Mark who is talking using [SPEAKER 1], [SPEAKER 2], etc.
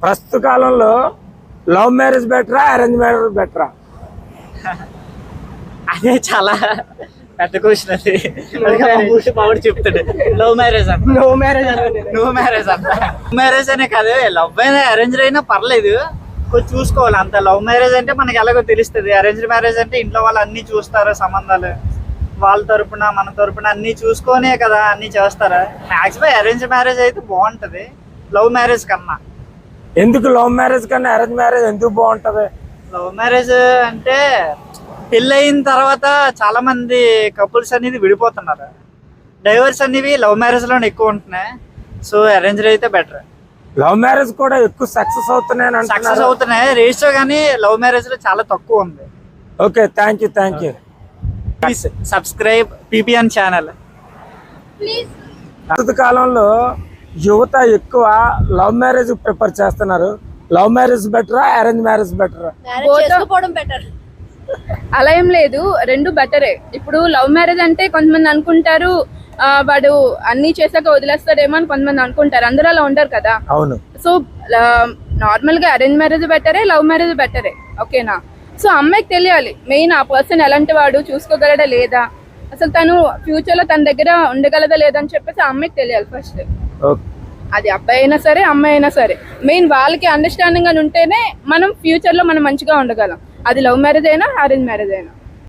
[SPEAKER 1] ప్రస్తుత కాలంలో love marriage బెటరా, అరేంజ్ మ్యారేజ్ బెటరా?
[SPEAKER 2] అదే చాలా పెద్ద క్వశ్చన్ అది. మామిడి చెప్తాడు లవ్ మ్యారేజ్ అంట, నో మ్యారేజ్ అంట. లవ్ మ్యారేజ్ అనే కాదు, లవ్ అయినా అరేంజ్ అయినా పర్లేదు, కొంచెం చూసుకోవాలి అంత. లవ్ మ్యారేజ్ అంటే మనకి ఎలాగో తెలుస్తుంది, అరేంజ్ మ్యారేజ్ అంటే ఇంట్లో వాళ్ళు అన్ని చూస్తారు, సంబంధాలు వాళ్ళ తరపున మన తరపున అన్ని చూసుకొనే కదా అన్ని చేస్తారా. మాక్సిమం అరేంజ్ మ్యారేజ్ అయితే బాగుంటది లవ్ మ్యారేజ్ కన్నా.
[SPEAKER 1] ఎందుకు లవ్ మ్యారేజ్ కన్నా అరేంజ్ మ్యారేజ్ ఎందుకు బాగుంటది?
[SPEAKER 2] లవ్ మ్యారేజ్ అంటే పెళ్ళి అయిన తర్వాత చాలా మంది కపుల్స్ అనేది విడిపోతున్నారు, డైవర్స్ అనేవి లవ్ మ్యారేజ్ లోనే ఎక్కువ ఉంటున్నాయి. సో అరేంజ్ అయితే బెటర్.
[SPEAKER 1] లవ్ మ్యారేజ్ కూడా ఎక్కువ సక్సెస్ అవుతున్నాయి,
[SPEAKER 2] సక్సెస్ అవుతున్నాయి రేషియో, కానీ లవ్ మ్యారేజ్ లో చాలా తక్కువ ఉంది.
[SPEAKER 1] Okay, thank you.
[SPEAKER 2] Please subscribe PPN channel.
[SPEAKER 1] ప్రస్తుత కాలంలో యువత ఎక్కువ లవ్ మ్యారేజ్ ప్రిఫర్ చేస్తున్నారు. లవ్ మ్యారేజ్ బెటరా, అరేంజ్ మ్యారేజ్ బెటరా?
[SPEAKER 3] అలా ఏం లేదు, రెండు బెటరే. ఇప్పుడు లవ్ మ్యారేజ్ అంటే కొంతమంది అనుకుంటారు వాడు అన్ని చేశాక వదిలేస్తాడేమో అని కొంతమంది అనుకుంటారు, అందరూ అలా ఉంటారు కదా.
[SPEAKER 1] అవును.
[SPEAKER 3] సో నార్మల్ గా అరేంజ్ మ్యారేజ్ బెటరే, లవ్ మ్యారేజ్ బెటరే. ఓకేనా? సో అమ్మాయికి తెలియాలి మెయిన్ ఆ పర్సన్ ఎలాంటి వాడు, చూసుకోగలడా లేదా, అసలు తను ఫ్యూచర్ లో తన దగ్గర ఉండగలదా లేదా అని చెప్పేసి ఆ అమ్మాయికి తెలియాలి ఫస్ట్. అది అబ్బాయి అయినా సరే అమ్మాయి అయినా సరే, మెయిన్ వాళ్ళకి అండర్స్టాండింగ్ అని ఉంటేనే మనం ఫ్యూచర్ లో మనం మంచిగా ఉండగలం. అది లవ్ మ్యారేజ్ అయినా అరేంజ్ మ్యారేజ్ అయినా.